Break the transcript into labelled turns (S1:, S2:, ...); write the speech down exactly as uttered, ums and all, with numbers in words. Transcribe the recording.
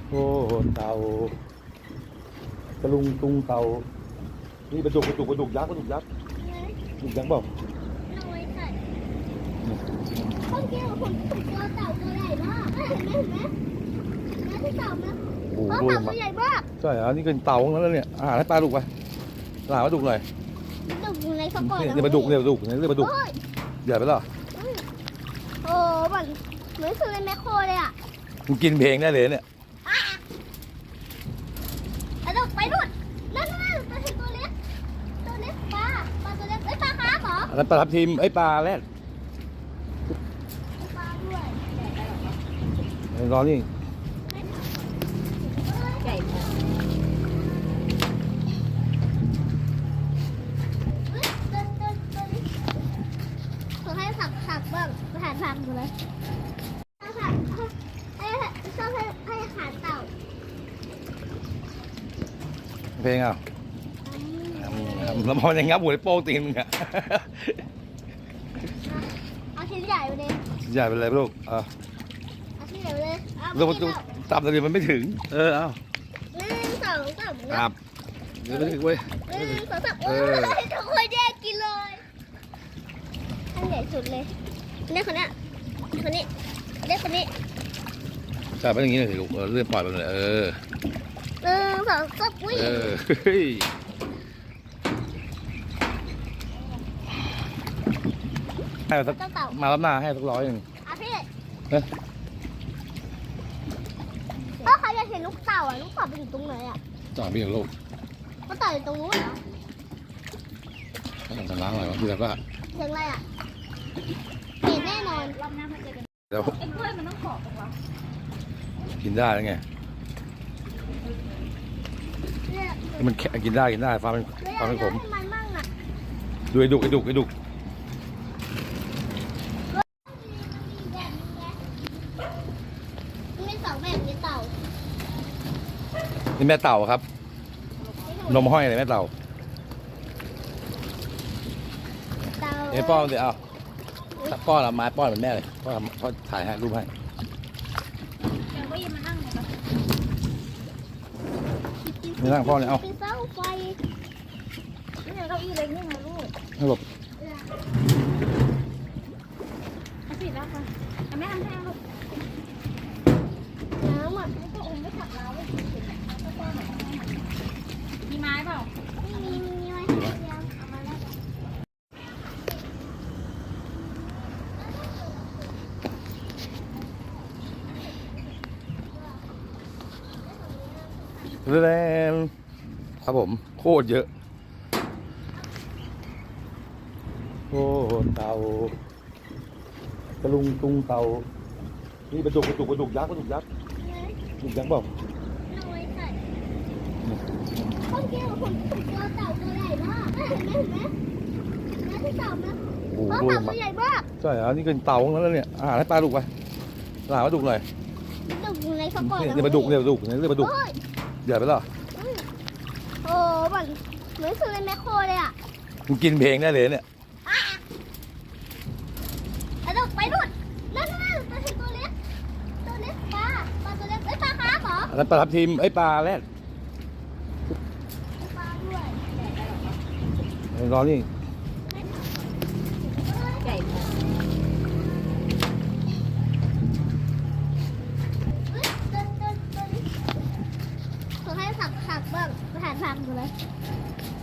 S1: โอ้เต่าตะลุงตุงเต่านี่ปลาดุกปลาดุกปลาดุกยักษ์ปลาดุกยักษ์ปลาดุกยักษ์เปล่า
S2: น้อยสัตว์เมื่อกี้ผมผมเจอเต่าตัวใหญ่มากเห็นไหมเห็นไหมนั่นคือเต่าไหมโอ้เต่าตัวใหญ่มาก
S1: ใช่อันนี้เป็นเต่าของนั้นแล้วเนี่ยอาหารให้ปลาดุกไปปลาปลาดุกหน่อย
S2: ปลาดุกอยู่ในกระป๋อง
S1: นี่ปลาดุกเนี่ยปลาดุกนี่เรียกปลาดุกใหญ่ไปหรอ
S2: โอ้เหมือนเหมือนซื้อในแมคโครเลยอ่ะ
S1: มึงกินเพลงได้เลยเนี่ย
S2: ปลาดุกไปนู่นนั่นนั่นปลาตัวเล็กตัวเล็กปลาปลาตัวเล็กเอ้ยปลาคาร์ฟเหรอ
S1: อันนั้นปลาทับทิมไอ้ปลาแรด
S2: ปลาด้วย
S1: รอนี่
S2: ใหญ่มากขอให้ผักผักบ้างอาหารผักอยู่เลยผักให้ชอบให้ให้อาหารเต่า
S1: เพลงอ่ะแล้วพอยังงับหัวโป้งตีนมึงอ่ะ
S2: เอาชิ้นใหญ่ไปเลย
S1: ใหญ่ไปเลยลูกอ่ะ
S2: เอาชิ้นใหญ่ไปเลย
S1: เราจับแต่เดี๋ยวมันไม่ถึงเออเอา
S2: หนึ่งสองสาม
S1: ครับเดี๋ยวไม่ถึงเว้ย
S2: หนึ่งสองสามโอ้ยทุกคนแยกกินเลยอันใหญ่สุดเลยเด็กคนนี้คนนี้เด็กคนนี้
S1: จับไปอย่างนี้เลยสิลูกเลื่อนปล่อยไปเลยเออ
S2: หนึ่งสองสามอุ้ย
S1: เออให้สักมารับหน้าให้สักร้อยหนึ่ง
S2: อ่ะพี่ถ้าใครอยากเห็นลูกเต่าอ่ะลูกเต่าไปอยู่ตรงไหนอ่ะ
S1: จ่าไปอย่างลูก
S2: ก็เต่าอยู่ตรงนู้นเหรอ
S1: ต้องล้างอะไรวะพี่แล้วก็
S2: เสียงอะไรอ่ะเห็นแน่นอน
S1: เดี๋ยว
S2: ไอ้กล้วยมันต้องขอบตรงวะ
S1: กินได้แล้วไงมันแค่กินได้กินได้ฟ้าเป็นฟ้าเป็นผมดูไอ้ดุกไอ้ดุกไอ้ดุก
S2: มีสองแบบมีเต่า
S1: นี่แม่เต่าครับนมห้อยเลยแม่เต่าเอ้ป้อนเดี๋ยวเอาป้อนเอาไม้ป้อนเหมือนแม่เลยป้อนป้อนถ่ายให้รูปให้ไม่นั่งพ่อเลยเอา
S2: เป็นเสาไฟนี่เก้าอี้เล็กนี่ไงลูก
S1: ให้หลบ
S2: เอาสิแล้วค่ะแม่ทำให้ลูกน้ำอ่ะก็อมไม่ขับเราเลยมีไม้เปล่าไม่มีมีไม้เดียวเอามาแล้ว
S1: แรงครับผมโคตรเยอะโอ้เต่าตะลุงตุงเต่านี่ปลาดุกปลาดุกปลาดุกยักษ์ปลาดุกยักษ์ปลาดุกยักษ์เปล่า
S2: น้อยสัตว์เมื่อกี้ผมผมเจอเต่าตัวใหญ่มากเห็นไหมเห็นไหมนั่นคือเต่าไหมโอ้เต่าตัวใหญ่มาก
S1: ใช่อันนี้เป็นเต่าของนั้นแล้วเนี่ยอาหารให้ปลาดุกไปปลาปลาดุกหน่อย
S2: ปลาดุกอยู่ในกระป๋อง
S1: นี่ปลาดุกเนี่ยปลาดุกนี่เรียกปลาดุกใหญ่ไปหรอ
S2: โอ้เหมือนเหมือนซื้อในแมคโครเลยอ่ะ
S1: มึงกินเพลงได้เลยเนี่ย
S2: ปลาดุกไปนู่นนั่นนั่นปลาตัวเล็กตัวเล็กปลาปลาตัวเล็กเอ้ยปลาคาร์ฟเหรอ
S1: อันนั้นปลาทับทิมไอ้ปลาแรด
S2: ปลาด้วย
S1: รอนี่
S2: ใหญ่มากขอให้ผักผักบ้างอาหารผักอยู่เลย